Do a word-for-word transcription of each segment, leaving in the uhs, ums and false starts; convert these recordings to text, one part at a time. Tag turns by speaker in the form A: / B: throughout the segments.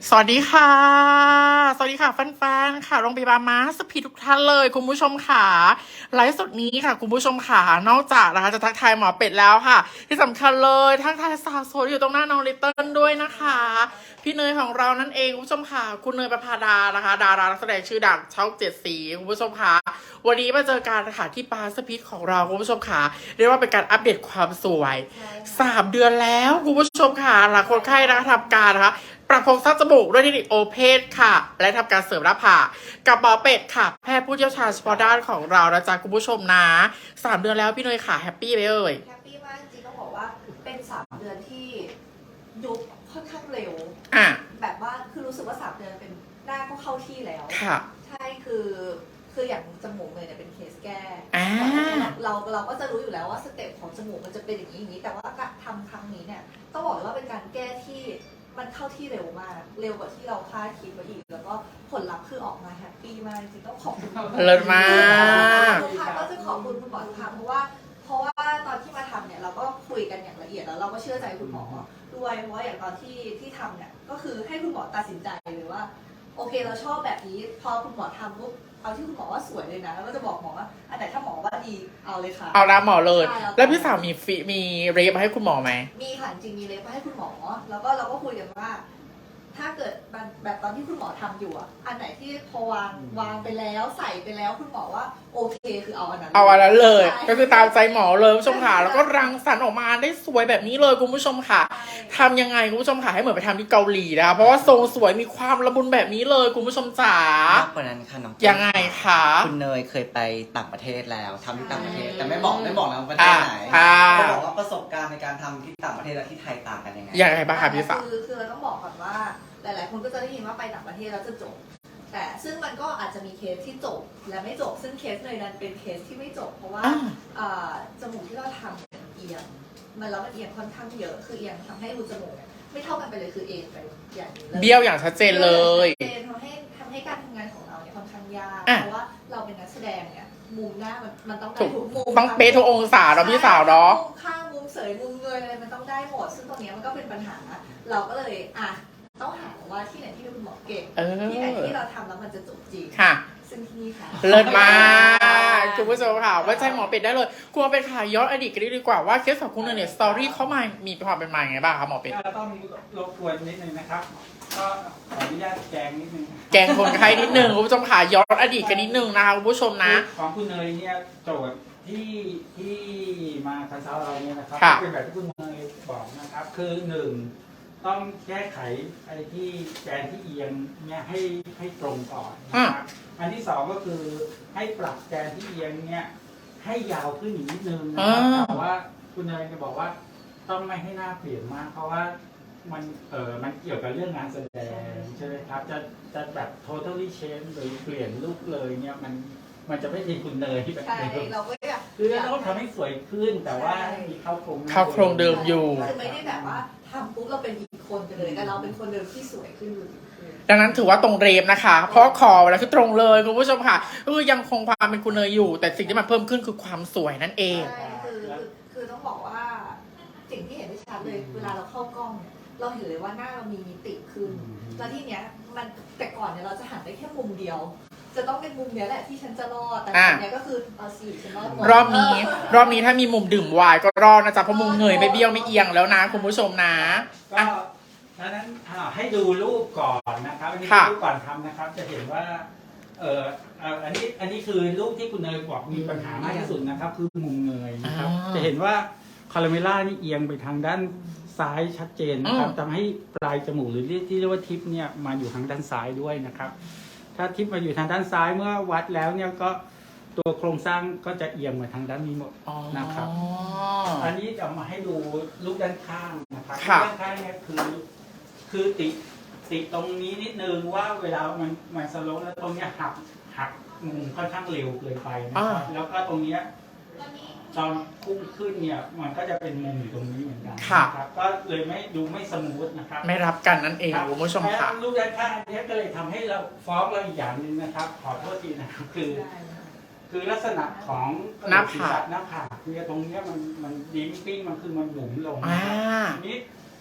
A: สวัสดีค่ะ สวัสดีค่ะแฟนๆค่ะโรงพยาบาลมาสพีทุกท่านเลยคุณผู้ชมค่ะไลฟ์สดนี้ค่ะคุณผู้ชมค่ะนอกจากนะคะจะทักทายหมอเป็ดแล้วค่ะ ที่สำคัญเลยทักทายสาวสวยอยู่ตรงหน้าน้องลิตเติ้ลด้วยนะคะพี่เนยของเรานั่นเองคุณผู้ชมค่ะคุณเนยประภาดานะคะดารานักแสดงชื่อดังช่องเจ็ดสีคุณผู้ชมค่ะวันนี้มาเจอกันค่ะที่มาสพีของเราคุณผู้ชมค่ะเรียกว่าเป็นการอัปเดตความสวยสามเดือนแล้วคุณผู้ชมค่ะหลังคนไข้นะคะทำการนะคะปรับโครงสร้างจมูกด้วยเทคนิคโอเพนค่ะและทำการเสริมหน้าผากกับหมอเป็ดค่ะแพทย์ผู้เชี่ยวชาญเฉพาะด้านของเรานะจ๊ะคุณผู้ชมนะสามเดือนแล้วพี่เนยค่ะแฮปปี้ไหมเอ่ย
B: แฮปปี้มากจริงต้องบอกว่าเป็นสามเดือนที่ยุบค่อนข้างเร็ว
A: อ่ะ
B: แบบว่าคือรู้สึกว่าสามเดือนเป็นหน้าก็เข้าที่แล้ว
A: ค่ะ
B: ใช่คือคืออย่างจมูกเลยเนี่ยเป็นเคสแก้เราเราก็จะรู้อยู่แล้วว่าสเต็ปของจมูกมันจะเป็นอย่างนี้อย่างนี้แต่ว่าการทำครั้งนี้เนี่ยต้องบอกเลยว่าเป็นการแก้ที่มันเข้าที่เร็วมากเร็วกว่าที่เราคาดคิดไว้อีกแล้วก็ผลลัพธ์คือออกมาแฮปปี้มากจริงต้องขอบคุณ
A: เลิศมาก
B: ทุกครั้งก็จะขอบคุณคุณหมอทุกครั้งเพราะว่าเพราะว่าตอนที่มาทำเนี่ยเราก็คุยกันอย่างละเอียดแล้วเราก็เชื่อใจคุณหมอด้วยเพราะว่าอย่างตอนที่ที่ทำเนี่ยก็คือให้คุณหมอตัดสินใจเลยว่าโอเคเราชอบแบบนี้พอคุณหมอทำปุ๊บเอาที่คุณหมอว่าสวยเลยนะแล้วก็จะบอกหมอว่าอันไหนถ้าหมอว่าดีเอาเลยค่ะ
A: เอาละหมอเลยแล้วพี่สาวมีฟีมีเรฟมาให้คุณหมอไหม
B: มีค่ะจริงมีเรฟมาให้คุณหมอแล้วก็เราก็คุยกันว่าถ้าเกิดแบบตอนที่คุณหมอทำอยู่อ่ะอันไหนที่พอวางวางไปแล้วใส่ไปแล้วคุณหมอว่าโอเคคือเอาอันนั้น
A: เอาอันนั้นเลยก็คือตามใจหมอเลยคุณผู้ชมค่ะแล้วก็รังสรรค์ออกมาได้สวยแบบนี้เลยคุณผู้ชมค่ะทำยังไงคุณผู้ชมค่ะให้เหมือนไปทำที่เกาหลีนะคะเพราะว่าทรงสวยมีความละมุนแบบนี้เลยคุณผู้ชมจ๋าม
C: ากกว่านั้นค่ะน้อง
A: ยังไงคะ
C: คุณเนยเคยไปต่างประเทศแล้วทำที่ต่างประเทศแต่ไม่บอกไม่บอกนะประเทศไหนเขาบอกว่าประสบการณ์ในการทำที่ต่างประเทศและที่ไทยต่างกันยังไง
A: ยังไงบ้างคะพี่สาว
B: คือคือเราต้องบอกก่อนว่าหลายๆคนก็จะได้ยินว่าไปต่างประเทศแล้วจะจบแต่ซึ่งมันก็อาจจะมีเคสที่จบและไม่จบซึ่งเคสเนยนั้นเป็นเคสที่ไม่จบเพราะว่าจมูกที่เราทำเอียงมันแล้วมันเอียงค่อนข้างเยอะคือเอียงทำให้รูจมูกเนี่ยไม่เท่ากันไปเลยคือเอ็นไปอย่างนี้เลย
A: เบี้ยวอย่างชัดเจนเลย
B: ทำให้ทำให้การทำงานของเราเนี่ยค่อนข้างยากเพราะว่าเราเป็นนักแสดงเนี่ยมุมหน้ามันมันต้องได้ทุกมุม
A: ต้องเป๊ะทุกองศาเราพี่สาวเนาะ
B: มุมข้างมุมเสยมุมเงยอะไรมันต้องได้หมดซึ่งตรงนี้มันก็เป็นปัญหาเราก็เลยอ่ะต้องหาว่าที่ไหนที่คุณหมอเก่งที่ไหนที่เราทำแล้วมันจะจบจริง
A: ค่ะ
B: ซึ่งที่นี่ค่ะ
A: เลิศมากคุณผู้ชมค่ะไว้ใจหมอเป็ดได้เลยคุณหมอเป็ดค่ะย้อนอดีตกันดีกว่าว่าเคสของคุณเนี่ยสตอรี่เข้ามามีความเป็นมาอย่างไรบ้างครับหมอเป็ด
D: ก็ต้องรบกวนนิดนึงนะครับก็ขออนุญาตแกงนิดนึง
A: แกงคนไข้นิดนึงคุณผู้ชมค่ะย้อนอดีตกันนิดนึงนะคะคุณผู้ชมนะ
D: ของคุณเนยเนี่ยโจทย์ที่ที่มาคอนซัลท์เราเนี่ยนะครับเป็นแบบที่คุณเนยบอกนะครับคือหนึ่งต้องแก้ไขไอ้ที่แกนที่เอียงเนี่ยให้ให้ตรงก่อนนะครับอันที่สองก็คือให้ปรับแกนที่เอียงเนี่ยให้ยาวขึ้นอีกนิดนึงนะครับแต่ว่าคุณเนยจะบอกว่าต้องไม่ให้หน้าเปลี่ยนมากเพราะว่ามันเออมันเกี่ยวกับเรื่องงานแสดงใช่ไหมครับจะจะแบบ totally change หรือเปลี่ยนลุคเลยเนี่ยมันมันจะไม่ใช่คุณเนยที่แบบ
B: ใช่เราก็อยาก
D: คือเราต้องทำให้สวยขึ้นแต่ว่ามีเข้าโครง
A: เข้าโครงเดิมอยู่
B: คือไม่ได้แบบว่าทำปุ๊บเราเป็นอีกคนไปเลยแต่เราเป็นคนเดิมที่สวยขึ้นอยู่
A: ดังนั้นถือว่าตรงเรมนะคะเพราะคอเวลาคือตรงเลยคุณผู้ชมค่ะคือยังคงความเป็นคุณเนยอยู่แต่สิ่งที่มันเพิ่มขึ้นคือความสวยนั่นเอง
B: ใช่คือคือต้องบอกว่าสิ่งที่เห็นได้ชัดเลยเวลาเราเข้ากล้องเนี่ยเราเห็นเลยว่าหน้าเรามีมิติขึ้นแล้วที่เนี้ยมันแต่ก่อนเนี่ยเราจะหันได้แค่มุมเดียวจะต้องเป็นมุมเนี้ยแหละที่ฉันจะรอดแต่ทีเนี้ยก็คือเอาสิฉันรอดหมด
A: รอบนี้รอบนี้ถ้ามีมุมดื่มไวน์ก็รอดนะจ๊ะเพราะมุมเงยไม่เบี้ยวไม่เอียงแล้วนะคุณผู้ชมนะ
D: ก็ดังนั้นให้ดูรูปก่อนนะครับอันนี้รูปก่อนทำนะครับจะเห็นว่าเอออันนี้อันนี้คือรูปที่คุณเนยบอกมีปัญหามากที่สุดนะครับคือมุมเงยนะครับจะเห็นว่าคาราเมล่านี่เอียงไปทางด้านซ้ายชัดเจนนะครับทำให้ปลายจมูกหรือที่เรียกว่าทิปเนี่ยมาอยู่ทางด้านซ้ายด้วยนะครับถ้าทิปมาอยู่ทางด้านซ้ายเมื่อวัดแล้วเนี่ยก็ตัวโครงสร้างก็จะเอียงมาทางด้านนี้หมดนะครับอันนี้จะมาให้ดูรูปด้านข้างนะครับรูปด้านข้างเนี่ยคือคือติติตรงนี้นิดนึงว่าเวลามันมันสโลว์แล้วตรงนี้หักหักมุมค่อนข้างเร็วเกินไปนะครับแล้วก็ตรงนี้ตอนพุ่งขึ้นเนี่ยมันก็จะเป็นมุมอยู่ตรงนี้เหมือนกันครับก็เลยไม่ดูไม่สมูทนะครับ
A: ไม่รับกันนั่นเองคุณผู้ชมค่ะ
D: รูปด้านข้างนี้ก็เลยทำให้เราฟ้องเราอีกอย่างหนึ่งนะครับขอโทษทีนะครับคือคือลักษณะของ
A: หน้าผาก
D: หน้าผากเนี่ยตรงนี้มันมันดิ้มปิ้งมันคือมันหนุนลงนี้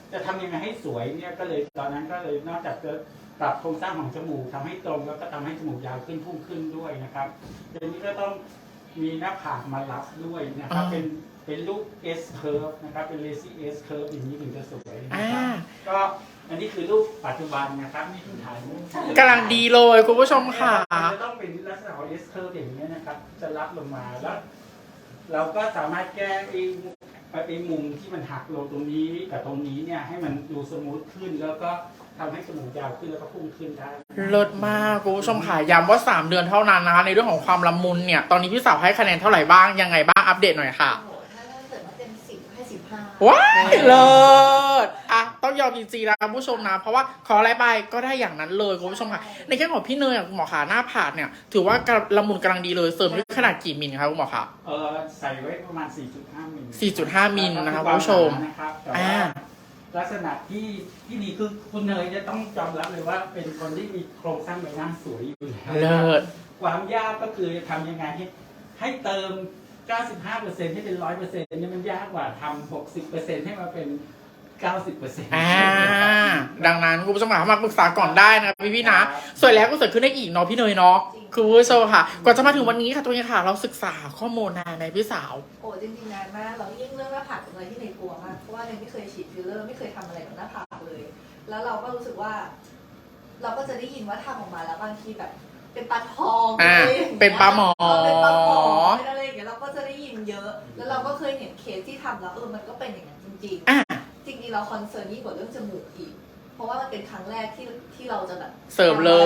D: จะทำยังไงให้สวยเนี่ยก็เลยตอนนั้นก็เลยนอกจากจะปรับโครงสร้างของจมูกทำให้ตรงแล้วก็ทำให้จมูกยาวขึ้นพุ่งขึ้นด้วยนะครับเดี๋ยวนี้ก็ต้องมีหน้าผากมารับด้วยนะครับเป็นเป็นรูป S curve นะครับเป็น lazy S curve อย่างนี้ถึงจะสวยนะครับก็อันนี้คือรูปปัจจุบันนะครับนี่คือถ่ายรูป
A: กำลังดีเลยคุณผู้ชมค่ะ
D: จะต้องเป็นลักษณะของ S curve อย่างนี้นะครับจะรับลงมาแล้วเราก็สามารถแก้ไอ้ไอ้มุมที่มันหักลงตรงนี้กับตรงนี้เนี่ยให้มันดูสมูทขึ้นแล้วก็ทำให้จมูกยาวขึ้นแล้วก็พุ่งขึ้นได้
A: เลิศมากคุณผู้ชมค่ะย้ำว่าสามเดือนเท่านั้นนะคะในเรื่องของความละมุนเนี่ยตอนนี้พี่สาวให้คะแนนเท่าไหร่บ้างยังไงบ้างอัปเดตหน่อยค่ะ
B: โอ้โหถ้าเกิดมาเต็มสิบให้สิบห้า
A: ว้ายเลิศอ่ะต้องยอมจริงๆนะคุณผู้ชมนะเพราะว่าขออะไรไปก็ได้อย่างนั้นเลยคุณผู้ชมค่ะในแง่ของพี่เนยอ่ะคุณหมอขาหน้าผากเนี่ยถือว่ากระละมุนกำลังดีเลยเสริมด้วยขนาดกี่มิลคะคุณหมอคะ
D: เออใส่ไว้ประมาณ สี่จุดห้า มิล
A: สี่จุดห้า มิลนะคะคุณผู้ชม
D: นะครับแต่
A: อ่า
D: ว่าลักษณะที่ที่ดีคือคุณเนยจะต้องยอมรับเลยว่าเป็นคนที่มีโครงสร้างใบหน้าสวยอยู่แล้ว
A: เลิศ
D: ความยากก็คือทำยังไงให้ให้เติม เก้าสิบห้าเปอร์เซ็นต์ ให้เป็น หนึ่งร้อยเปอร์เซ็นต์ นี่มันยากกว่าทำ หกสิบเปอร์เซ็นต์ ให้มาเป็น เก้าสิบเปอร์เซ็นต์
A: อ่าดังนั้นคุณผู้ชมค่ะมาปรึกษาก่อนได้นะพี่พี่ๆนะสวยแล้วก็สวยขึ้นได้อีกเนาะพี่เนยเนาะคุณผู้ชมค่ะก่อนจะมาถึงวันนี้ค่ะตัวนี้ค่ะ เราศึกษาข้อมูลนานในพี่สาว
B: โอ้จริงๆนานมากเรายิ่งเรื่องหน้าผากเป็นอะไรที่ในกลัวมากเพราะว่าเนยไม่เคยฉีดฟิลเลอร์ไม่เคยทำอะไรกับหน้าผากเลย แล้วเราก็รู้สึกว่า เราก็จะได้ยินว่าทำออกมาแล้วบางทีแบบ เป็นปลาทอง
A: อ่า
B: อะไรอย่างงี้ย
A: เป็นปลาหมอ
B: เเป็นปลาหมอเป็นอะไรอย่างเงี้ยเราก็จะได้ยินเยอะ แล้วเราก็เคยเห็นเคสที่ทำแล้วเออมันก็เป็นอย่างนั้นจริง
A: อ่ะ
B: ๆ จริงๆเราคอนเซิร์นยิ่งกว่าเรื่องจมูกอีก เพราะว่ามันเป็นครั้งแรกที่ที่เราจะแบบ
A: เสริมเลย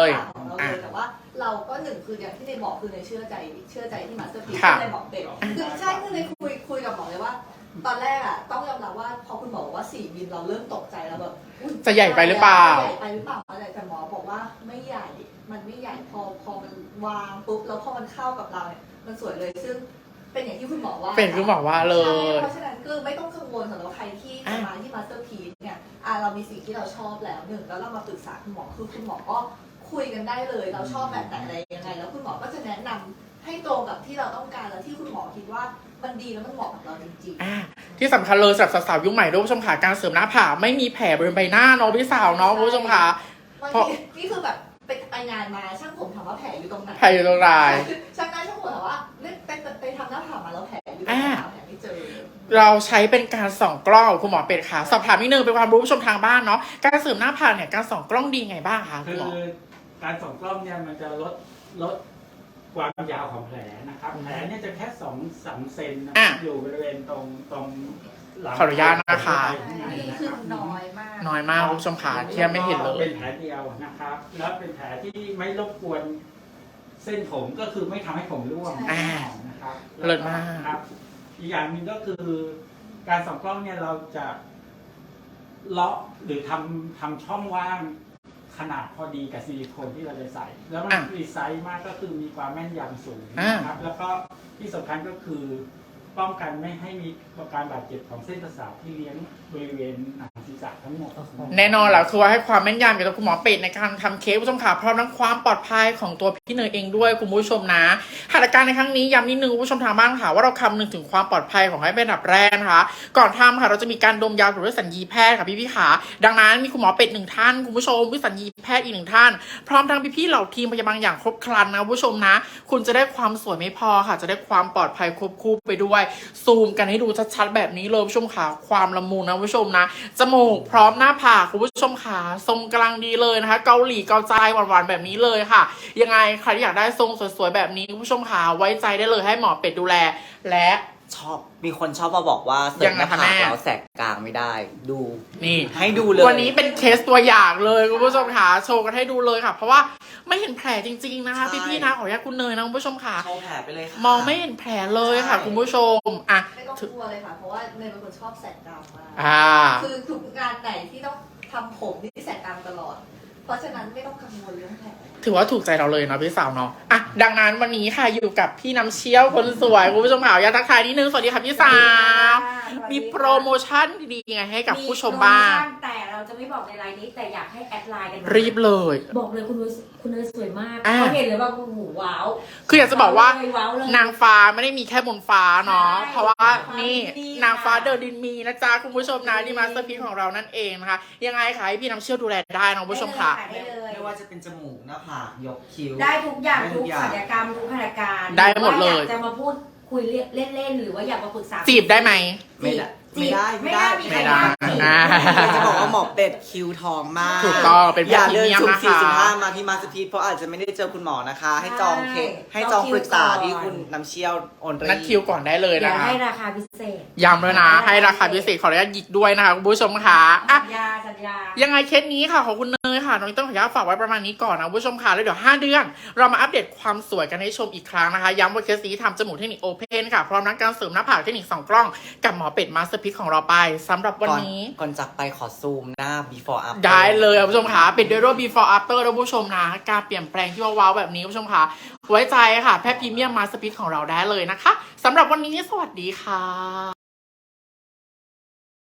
B: ของเราเลยแต่ว่าเราก็หนึ่งคืออย่างที่ในบอกคือในเชื่อใจเชื่อใจที่มาสเตอร์พีซ
A: ค่ะ
B: ที่ในบอกเป็นคือใช่คือในคุยคุยกับหมอเลยว่า ตอนแรกอะต้องยอมรับว่าพอคุณหมอบอกว่าสี่มิลเราเริ่มตกใจแล้วแบบอุ๊ย
A: จะใหญ่ไปหรือเปล่า
B: จะใหญ่ไปหรือเปล่าอะไรแต่หมอบอกว่าไม่ใหญ่ มันไม่ใหญ่พอพอมันวางปุ๊บแล้วพอมันเข้ากับเราเนี่ยมันสวยเลยซึ่งเป็นอย่างที่คุณหมอว่า
A: เป็นคุณหมอว่าเลย
B: ใช่เพราะฉะนั้นก็ไม่ต้องกังวลสำหรับใครที่จะมาที่มาสเตอร์พีซเนี่ยอ่ะเรามีสิ่งที่เราชอบแล้วหนึ่งแล้วเรามาปรึกษาคุณหมอคือคุณหมอก็คุยกันได้เลย เราชอบแบบไหนอะไรยังไง แล้วคุณหมอก็จะแนะนำให้ตรงกับที่เราต้องการแล้วที่คุณหมอคิดว่ามันดีแล้วมันเหมาะกับเราจริง
A: อ่ะที่สำคัญเลยสำหรับสาวๆยุคใหม่ด้วยคุณผู้ชมค่ะการเสริมหน้าผากไม่มีแผลบริเวณใบหน้าเนาะพี่สาวเนาะคุณผู้ชมค่ะ
B: ๆบาง
A: เพราะ
B: ทีนี่คือแบบไปไปงานมาช่างผมถามว่าแผลอยู่ตรงไหน
A: แผลอยู่ตรงไหน
B: ช่างหน้าช่างผมถามว่าเล่นไปไปทำหน้าผากมาแล้วแผลอยู่ตรงไหน
A: อ่า
B: หาแผลไม่เจอ
A: เราใช้เป็นการส่องกล้องคุณหมอเป็ดค่ะสอบถามนิดนึงเป็นความรู้ผู้ชมทางบ้านเนาะการเสริมหน้าผากเนี่ยการส่องกล้องดีไงบ้างคะคุ
D: คื
A: ณ
D: อ
A: หมอ
D: การส่องกล้องเนี่ยมันจะลดลดความยาวของแผลนะครับแผลเนี่ยจะแค่สองสามเซนนะค
A: อ่ะ
D: รับอยู่บริเวณตรงตรงหลัง
A: ขออนุญาตนะคะ
B: นี่คือน้อยมาก
A: น้อยมากคุณผู้ชมค่ะที่ไม่เห็นเลย
D: เป็นแผลเดียวนะครับ แล้วเป็นแผลที่ไม่รบกวนเส้นผมก็คือไม่ทำให้ผมร่วง
A: อ่า
D: นะครับ
A: เลิศมาก
D: ครับ อีกอย่างหนึ่งก็คือ การส่องกล้องเนี่ยเราจะเลาะหรือทำทำช่องว่างขนาดพอดีกับซิลิโคนที่เราจะใส่ แล้วมัน
A: อ่ะ
D: ดีไซน์มากก็คือมีความแม่นยำสูง
A: อ่า
D: นะครับ แล้วก็ที่สำคัญก็คือ ป้องกันไม่ให้มีการบาดเจ็บของเส้นประสาทที่เลี้ยงบริเวณหนังศีรษะทั้งหมด
A: แน่นอนแล้วคือว่าให้ความแม่นยำเกี่ยวกับคุณหมอเป็ดในการทำเค้กผู้ชมค่ะพร้อมทั้งความปลอดภัยของตัวพี่เนยเองด้วยคุณผู้ชมนะหัตถการในครั้งนี้ย้ำนิดนึงคุณผู้ชมทางบ้านค่ะว่าเราคำนึงถึงความปลอดภัยของให้เป็นอันดับแรกนะคะก่อนทำค่ะเราจะมีการดมยาหรือด้วยสัญญีแพทย์ค่ะพี่พี่ขาดังนั้นมีคุณหมอเป็ดหนึ่งท่านคุณผู้ชมวิสัญญีแพทย์อีกหนึ่งท่านพร้อมทั้งพี่ๆเหล่าทีมพยาบาลอย่างครบครันนะคุณผู้ชมนะคุณจะได้ความสวยไม่พอค่ะจะได้ความปลอดภัยควบคู่ไปด้วยซูมกันให้ดูชัดๆแบบนี้เลยคุณผู้ชมค่ะความละมุนนะคุณผู้ชมนะจมูกพร้อมหน้าผากคุณผู้ชมค่ะทรงกำลังดีเลยนะคะเกาหลีเกาใจหวานๆแบบนี้เลยค่ะยังไงใครที่อยากได้ทรงสวยๆแบบนี้คุณผู้ชมค่ะไว้ใจได้เลยให้หมอเป็ดดูแลและ
C: ชอบมีคนชอบมาบอกว่าเสริมหน้าผากแล้วแสกกลางไม่ได้ ดู
A: นี่
C: ให้ดูเลย
A: วันนี้เป็นเคสตัวอย่างเลยคุณผู้ชมค่ะโชว์กันให้ดูเลยค่ะ เพราะว่าไม่เห็นแผลจริงๆนะคะพี่ๆนะขออนุญาตคุณเนยนะคุณผู้ชมค่ะ
C: โชว์แผลไปเลยค่ะ
A: มองไม่เห็นแผลเลยค่ะ
C: ใช่
A: คุณผู้ชมอ่ะ
B: ไม่ต้องกลัวเลยค่ะ เพราะว่าเนยเป็นคนชอบแสกกรามมาก
A: อ่า
B: คือทุกงานไหนที่ต้องทำผมนี่แสกกรามตลอด เพราะฉะนั้นไม่ต้องกังวลเรื่องแผล
A: ถือว่าถูกใจเราเลยเนาะพี่สาวเนาะอ่ะดังนั้นวันนี้ค่ะอยู่กับพี่น้ำเชี่ยวคนสวยคุณผู้ชมค่ะอยากทักทายนิดนึงสวัสดีค่ะพี่สาวมีโปรโมชั่นดีๆไงให้กับผู้ชมบ้าง
E: มีโปรโมชั่นแต่เราจะไม่บอกในไลน์นี้แต่อยากให้แอดไลน์กันมา
A: รีบเลย
E: บอกเลยคุณนุ้ยคุณเนยสวยมาก
A: อ่า
E: เขาเห็นเลยว่าโอ้โหว้าว
A: คืออยากจะบอกว่า
E: ว้าวเลย
A: นางฟ้าไม่ได้มีแค่บนฟ้าเนาะ
E: ใช่
A: เพราะว่า
E: ฟ้า
A: นี่
E: ดีค่ะ
A: นางฟ้าเดินดินมีนะจ๊ะคุณผู้ชมนะที่มาสเตอร์พีของเรานั่นเองนะคะยังไงคะให้พี่น้ำเชี่ยวดูแลได้นะคุณผู้ชมค่ะ
E: ได้เลย
C: ไม่ว่าจะเป็นจมูกหน้าผากยกคิ้ว
E: ได้ทุกอย่าง
C: ได้ทุ
E: ทุ
C: ก
E: ก
C: อย่าง
E: ศัลยกรรมทุกขนาการ
A: ได้หมดเลย
E: รือว่าอยากจะมาพูดคุยเล่นๆหรือว่าอยากมาปรึกษา
A: จีบได้ไหม
C: ไม่ได้
E: จีบ
C: ไม่ได้
E: ไม่
C: ไม่
E: ได้
C: ได้
E: มีใคร
A: ไม่ได้
E: บ้างจีบ
C: จะบอกว่าหมอเป็ดคิวทองมาก
A: ถูกต้องเป็น
C: อย่า
A: พรี
C: เดิน
A: เมียม
C: สุ่ม
A: นะคะ
C: สี่สุ่มห้ามาที่มาสพีทเพราะอาจจะไม่ได้เจอคุณหมอนะคะ ให้จองเคสให้จองปรึกษาที่คุณน้ำเชี่ยวโอนรี
A: นัดคิวก่อนได้เลย
E: เดี๋
A: นะ
E: ยว
A: คะ
E: ให้ราคาพิเศษ
A: ย้ำเลยนะ ให้ราคาพิเศษขออนุญาตหยิกด้วยนะคะคุณผู้ชมค่ะอ่ะ
E: สัญญาสัญญา
A: ยังไงเคสนี้ค่ะของคุณเนยค่ะน้องต้องขออนุญาตฝากไว้ประมาณนี้ก่อนนะคุณผู้ชมค่ะแล้วเดี๋ยวห้าเดือน เรามาอัปเดตความสวยกันให้ชมอีกครั้งนะคะย้ำว่าเคสนี้ทำจมูกเทคนิคโอเพนค่ะพร้อมทั้งการเสริมหน้าผากเทคนิคสองกล้องกับหมอเป็ดมาสเตอร์พิกของเราไปสำหรับวันนี้
C: ก่อนจากไปขอซูมหน้า before after
A: ได้เลยคุณผู้ชมค่ะปิดด้วยรูป before after นะคุณผู้ชมนะการเปลี่ยนแปลงที่ว้าวๆแบบนี้คุณผู้ชมค่ะไว้ใจค่ะแพทย์พรีเมียมมาสเตอร์พิกของเราได้เลยนะคะสำหรับวันนี้สวัสดีค่ะ